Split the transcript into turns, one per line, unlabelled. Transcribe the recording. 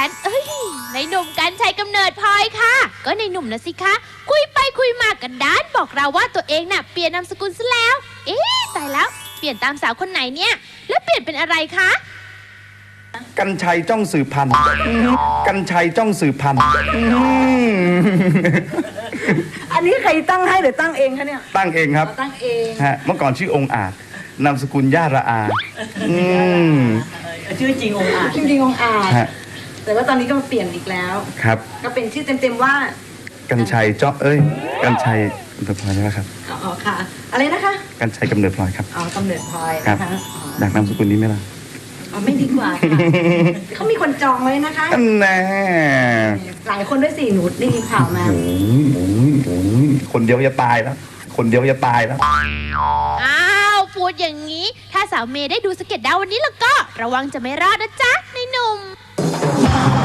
กันในหนุ่มกันชัยกำเนิดพลอยค่ะก็ในหนุ่มนะสิคะคุยไปคุยมากันด้านบอกเราว่าตัวเองน่ะเปลี่ยนนามสกุลซะแล้วตายแล้วเปลี่ยนตามสาวคนไหนเนี่ยแล้วเปลี่ยนเป็นอะไรคะ
กันชัยจ้องสืบพันธุ์กันชัยจ้องสืบพันธุ์
อันนี้ใครตั้งให้หรือตั้งเองคะเนี่ย
ตั้งเองครับ
ตั้งเอง
ฮะเมื่อก่อนชื่อองค์อาจนามสกุลย่าระอา
ชื่อจริงองค์อาจจริงองค์อาจแต่ว่าตอนนี้ก็มาเปลี่ยนอีกแล้ว
ครับ
ก็เป็นชื่อเต็มๆว่า
กันชัยกันชัยกำเนิดพลอยใช่ไหมครับ
อ๋อค่ะอะไรนะคะ
กันชัยกำเนิดพลอยครับ
อ๋อกำเนิดพลอย
นะคะอยากนามสกุลนี้ไหมล่ะ
อ๋อไม่ดีกว่าค่ะเขามีคนจองไว้นะคะ
แน่
หลายคนด้วยสิหนูได้ยินข่าวมา
คนเดียวจะตายแล้ว
อ้าวพูดอย่างนี้ถ้าสาวเมย์ได้ดูสเก็ตดาววันนี้แล้วก็ระวังจะไม่รอดนะจ๊ะในหนุ่ม